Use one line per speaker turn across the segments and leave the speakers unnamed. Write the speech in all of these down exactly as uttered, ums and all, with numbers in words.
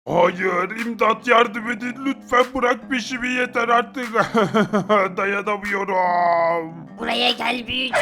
Hayır, imdat yardım edin lütfen bırak peşimi yeter artık. Dayanamıyorum.
Buraya gel büyücü.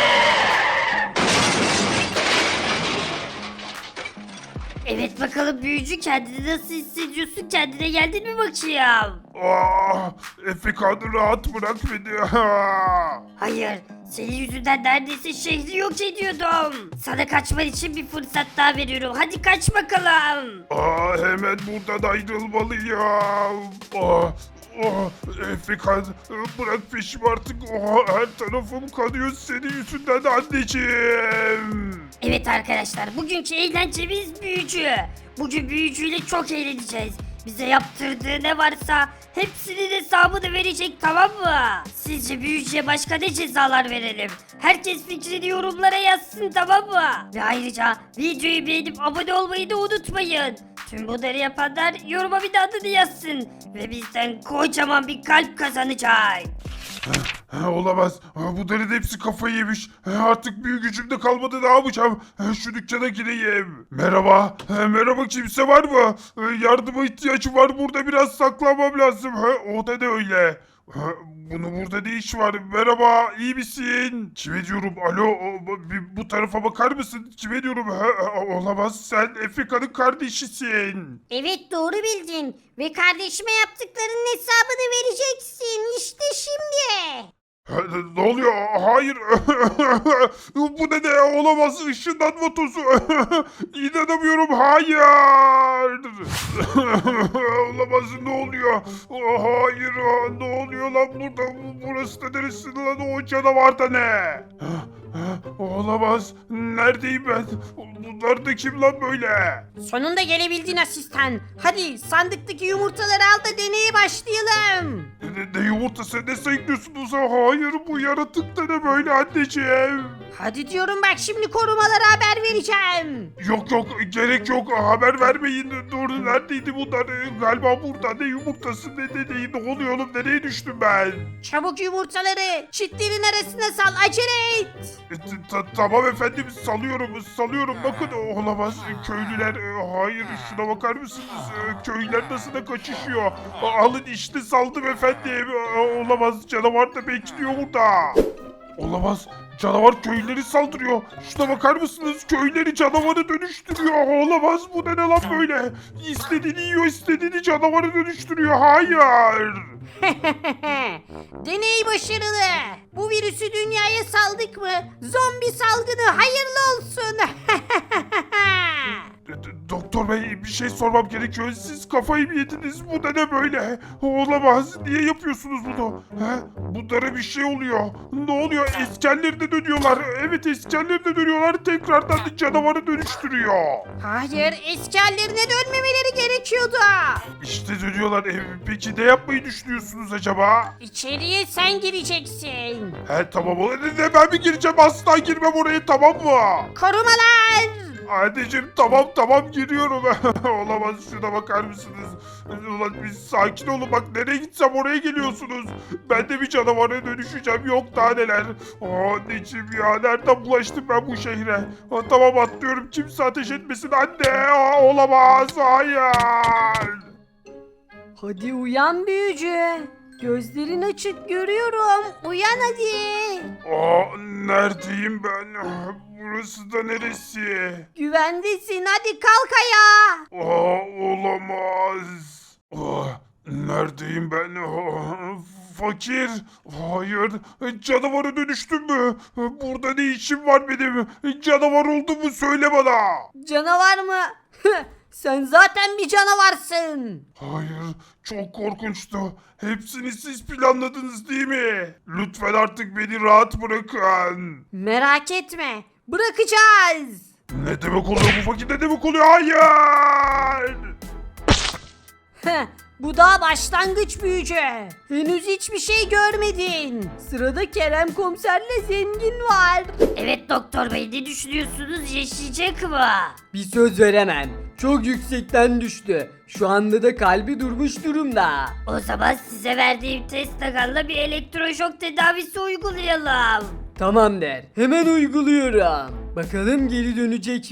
Evet bakalım büyücü, kendini nasıl hissediyorsun? Kendine geldin mi bakayım?
Ah, Efekan'ı rahat bırak beni.
Hayır, senin yüzünden neredeyse şehri yok ediyordum. Sana kaçman için bir fırsat daha veriyorum. Hadi kaç bakalım.
Ah, hemen buradan ayrılmalıyım. Ah, ah, Efekan bırak peşimi artık. Ah, her tarafım kanıyor senin yüzünden anneciğim.
Evet arkadaşlar, bugünkü eğlencemiz büyücü. Bugün büyücüyle çok eğleneceğiz. Bize yaptırdığı ne varsa hepsinin hesabını verecek, tamam mı? Sizce büyücüye başka ne cezalar verelim? Herkes fikrini yorumlara yazsın, tamam mı? Ve ayrıca videoyu beğenip abone olmayı da unutmayın. Tüm bunları yapanlar yoruma bir de adını yazsın. Ve bizden kocaman bir kalp kazanacak.
Ha, olamaz. Ha, bunların hepsi kafayı yemiş. Ha, artık büyük gücüm de kalmadı, ne yapacağım? Ha, şu dükkana gireyim. Merhaba. Ha, merhaba, kimse var mı? Ha, yardıma ihtiyacım var. Burada biraz saklanmam lazım. Ha, o da ne öyle? Ha, bunun burada ne iş var? Merhaba, iyi misin? Kime diyorum? Alo, o, bu- bir bu tarafa bakar mısın? Kime diyorum? Ha, ha, olamaz, sen Efeka'nın kardeşisin.
Evet, doğru bildin. Ve kardeşime yaptıklarının hesabını vereceksin. İşte şimdi.
Ha, Ne oluyor? Hayır. Bu ne de olamaz. Işınlanma tozu. İnanamıyorum. Hayır. Olamaz. Ne oluyor? Hayır. Ne oluyor lan burada? Burası da neresi lan? O canavar da ne? Olamaz. Neredeyim ben? Bunlar da kim lan böyle?
Sonunda gelebildin asistan. Hadi sandıktaki yumurtaları al da deneye başlayalım.
Ne, ne yumurtası, ne sayıklıyorsunuz? Hayır, bu yaratık da ne böyle anneciğim?
Hadi diyorum, bak şimdi korumalara haber vereceğim.
Yok yok, gerek yok, haber vermeyin. Dur, neredeydi bunlar? Galiba burada. Ne yumurtası, ne ne ne, ne oluyor oğlum, nereye düştüm ben?
Çabuk yumurtaları çitlerin arasına sal, acele et.
E, t- ta- Tamam efendim, salıyorum salıyorum. Bakın, olamaz, köylüler. e, Hayır, şuna bakar mısınız? E, Köylüler nasıl da kaçışıyor. A- Alın işte, saldım efendim. E, Olamaz, canavar da bekliyor burada. Olamaz. Canavar köylüleri saldırıyor. Şuna bakar mısınız? Köyleri canavara dönüştürüyor. Olamaz, bu ne lan böyle? İstediğini yiyor, istediğini canavara dönüştürüyor. Hayır.
Deney başarılı. Bu virüsü dünyaya saldık mı? Zombi salgını hayırlı olsun.
D- d- Doktor bey, bir şey sormam gerekiyor. Siz kafayı mı yediniz? Bu da ne böyle? Olamaz. Niye yapıyorsunuz bunu? He? Bunlara bir şey oluyor. Ne oluyor? Eskerlerine dönüyorlar. Evet, eskerlerine dönüyorlar. Tekrardan da canavara dönüştürüyor.
Hayır, eski hallerine dönmemeleri gerekiyordu.
İşte dönüyorlar. E, peki ne yapmayı düşünüyorsunuz acaba?
İçeriye sen gireceksin.
He, tamam. O ne, ben mi gireceğim? Asla girmem oraya, tamam mı?
Korumalar.
Anneciğim, tamam tamam giriyorum. Olamaz, şuna bakar mısınız? Ulan biz sakin olun, bak nereye gitsem oraya geliyorsunuz. Ben de bir canavara dönüşeceğim, yok daha neler. Aa, anneciğim ya, nereden bulaştım ben bu şehre? Aa, tamam, atlıyorum, kimse ateş etmesin anne. Aa, olamaz, hayır.
Hadi uyan büyücü. Gözlerin açık, görüyorum. Uyan hadi.
Aa, neredeyim ben? Burası da neresi?
Güvendesin, hadi kalk ayağa.
Aa, olamaz. Aa, neredeyim ben? Aa, fakir. Hayır. Canavara dönüştüm mü? Burada ne işim var benim? Canavar oldum mu, söyle bana.
Canavar mı? Sen zaten bir canavarsın.
Hayır. Çok korkunçtu. Hepsini siz planladınız değil mi? Lütfen artık beni rahat bırakın.
Merak etme, bırakacağız.
Ne demek oluyor bu fakir? Ne demek oluyor? Hayır.
Heh, bu daha başlangıç büyücü. Henüz hiçbir şey görmedin. Sırada Kerem komiserle zengin var.
Evet doktor bey, ne düşünüyorsunuz, yaşayacak mı?
Bir söz veremem. Çok yüksekten düştü. Şu anda da kalbi durmuş durumda.
O zaman size verdiğim test takanla bir elektroşok tedavisi uygulayalım.
Tamam der. Hemen uyguluyorum. Bakalım geri dönecek mi?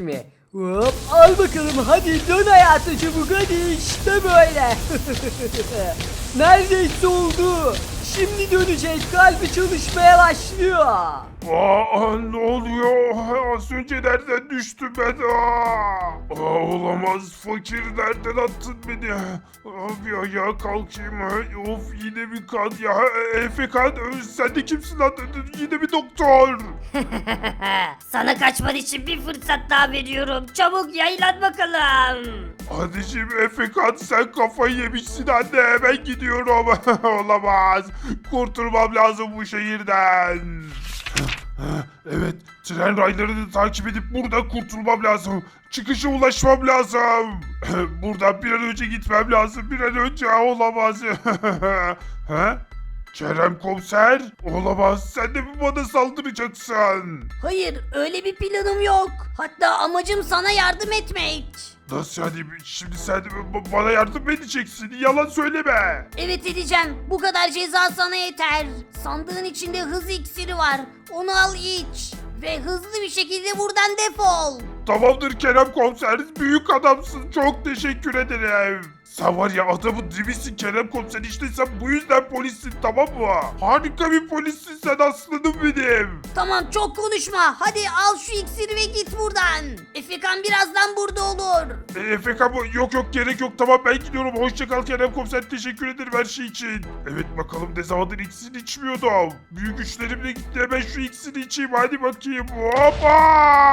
Hop al bakalım hadi dön hayata çabuk hadi işte böyle. Neredeyse oldu. Şimdi dönecek kalbi çalışmaya başlıyor.
Aa, ne oluyor? Az önce nereden düştüm ben? Aa, Aa, olamaz. Fakir nereden attın beni? Aa, bir ayağa kalkayım. Of yine bir kan ya. Efe kan sen de kimsin lan? Yine bir doktor.
Sana kaçman için bir fırsat daha veriyorum. Çabuk yaylan bakalım.
Anneciğim Efe kan sen kafayı yemişsin anne. Hemen gidiyorum. Olamaz. Kurtulmam lazım bu şehirden. Evet, tren raylarını takip edip buradan kurtulmam lazım. Çıkışa ulaşmam lazım. Buradan bir an önce gitmem lazım. Bir an önce olamaz. Ha? Kerem komiser? Olamaz. Sen de mi bana saldıracaksın?
Hayır, öyle bir planım yok. Hatta amacım sana yardım etmek.
Nasıl yani? Şimdi sen de b- bana yardım edeceksin. Yalan söyleme.
Evet edeceğim. Bu kadar ceza sana yeter. Sandığın içinde hız iksiri var. Onu al iç. Ve hızlı bir şekilde buradan defol.
Tamamdır Kerem komiser. Büyük adamsın. Çok teşekkür ederim. Sen var ya adamın dibisin Kerem komiser. İşte sen bu yüzden polissin tamam mı? Harika bir polissin sen aslanım benim.
Tamam çok konuşma. Hadi al şu iksiri ve git buradan. Efekan birazdan burada olur.
E, Efeka bu yok yok gerek yok tamam ben gidiyorum. Hoşça kal Kerem komiser teşekkür ederim her şey için. Evet bakalım ne zamandır iksir içmiyordum. Büyük güçlerimle gitti hemen şu iksiri içeyim hadi bakayım. Hoppa!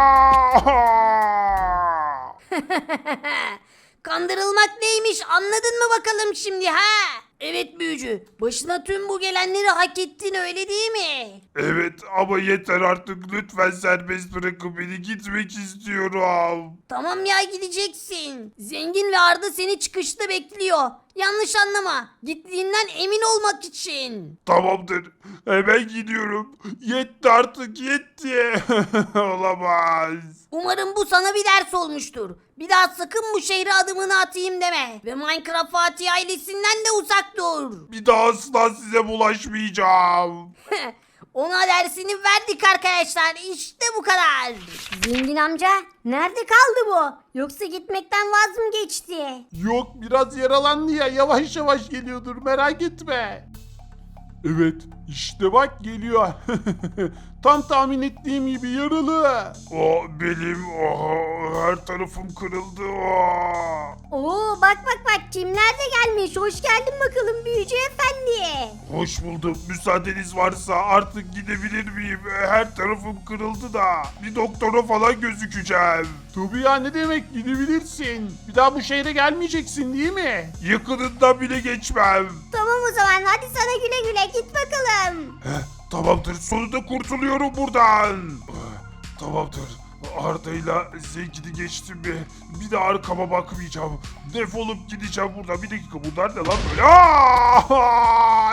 Kandırılmak neymiş anladın mı bakalım şimdi ha? Evet büyücü. Başına tüm bu gelenleri hak ettin öyle değil mi?
Evet ama yeter artık lütfen serbest bırakın beni gitmek istiyorum.
Tamam ya gideceksin. Zengin ve Arda seni çıkışta bekliyor. Yanlış anlama. Gittiğinden emin olmak için.
Tamamdır hemen gidiyorum. Yetti artık yetti. Olamaz.
Umarım bu sana bir ders olmuştur. Bir daha sakın bu şehre adımını atayım deme. Ve Minecraft Fatih ailesinden de uzak dur.
Bir daha asla size bulaşmayacağım.
Ona dersini verdik arkadaşlar. İşte bu kadar. Zengin amca nerede kaldı bu? Yoksa gitmekten vaz mı geçti?
Yok biraz yaralandı ya yavaş yavaş geliyordur merak etme. Evet işte bak geliyor. Tam tahmin ettiğim gibi yaralı.
O benim o her tarafım kırıldı o.
Oo bak bak bak kimler de gelmiş. Hoş geldin bakalım büyücü efendi.
Hoş buldum. Müsaadeniz varsa artık gidebilir miyim? Her tarafım kırıldı da. Bir doktora falan gözükeceğim.
Tabii ya ne demek gidebilirsin. Bir daha bu şehre gelmeyeceksin değil mi?
Yakınından bile geçmem.
Tamam o zaman hadi sana güle güle git bakalım.
Heh, tamamdır. Sonunda kurtuluyorum buradan. Eh, Tamamdır. Arda'yla Zengin'i geçtim mi? Bir de arkama bakmayacağım. Defolup gideceğim buradan. Bir dakika bunlar ne lan böyle? Aaaa!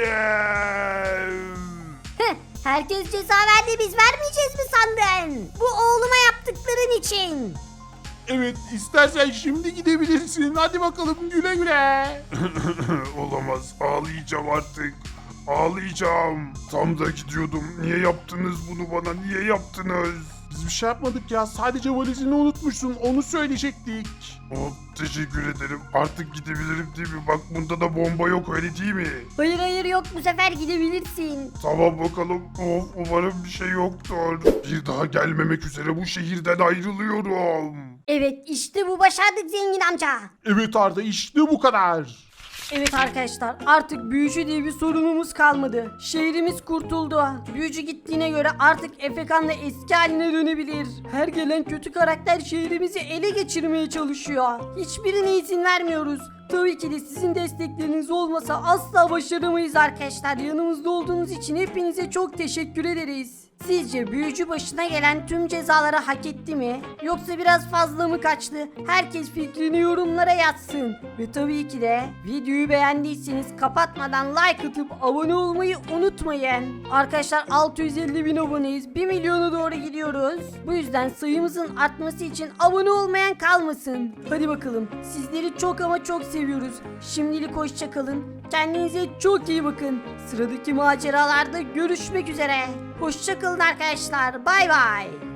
Anneciğim!
Herkes ceza verdi biz vermeyeceğiz mi sandın? Bu oğluma yaptıkların için.
Evet istersen şimdi gidebilirsin. Hadi bakalım güle güle.
Olamaz. Ağlayacağım artık. Ağlayacağım. Tam da gidiyordum. Niye yaptınız bunu bana? Niye yaptınız?
Biz bir şey yapmadık ya sadece valizini unutmuşsun onu söyleyecektik.
Oh, teşekkür ederim. Artık gidebilirim değil mi? Bak bunda da bomba yok öyle değil mi?
Hayır hayır yok bu sefer gidebilirsin.
Tamam bakalım. Of umarım bir şey yoktur. Bir daha gelmemek üzere bu şehirden ayrılıyorum.
Evet işte bu başardık zengin amca.
Evet Arda işte bu kadar.
Evet arkadaşlar artık büyücü diye bir sorunumuz kalmadı. Şehrimiz kurtuldu. Büyücü gittiğine göre artık Efekan da eski haline dönebilir. Her gelen kötü karakter şehrimizi ele geçirmeye çalışıyor. Hiçbirine izin vermiyoruz. Tabii ki de sizin destekleriniz olmasa asla başaramayız arkadaşlar. Yanımızda olduğunuz için hepinize çok teşekkür ederiz. Sizce büyücü başına gelen tüm cezaları hak etti mi? Yoksa biraz fazla mı kaçtı? Herkes fikrini yorumlara yazsın. Ve tabii ki de videoyu beğendiyseniz kapatmadan like atıp abone olmayı unutmayın. Arkadaşlar altı yüz elli bin aboneyiz. bir milyona doğru gidiyoruz. Bu yüzden sayımızın artması için abone olmayan kalmasın. Hadi bakalım. Sizleri çok ama çok seviyoruz. Şimdilik hoşça kalın. Kendinize çok iyi bakın. Sıradaki maceralarda görüşmek üzere. Hoşça kalın arkadaşlar. Bay bay.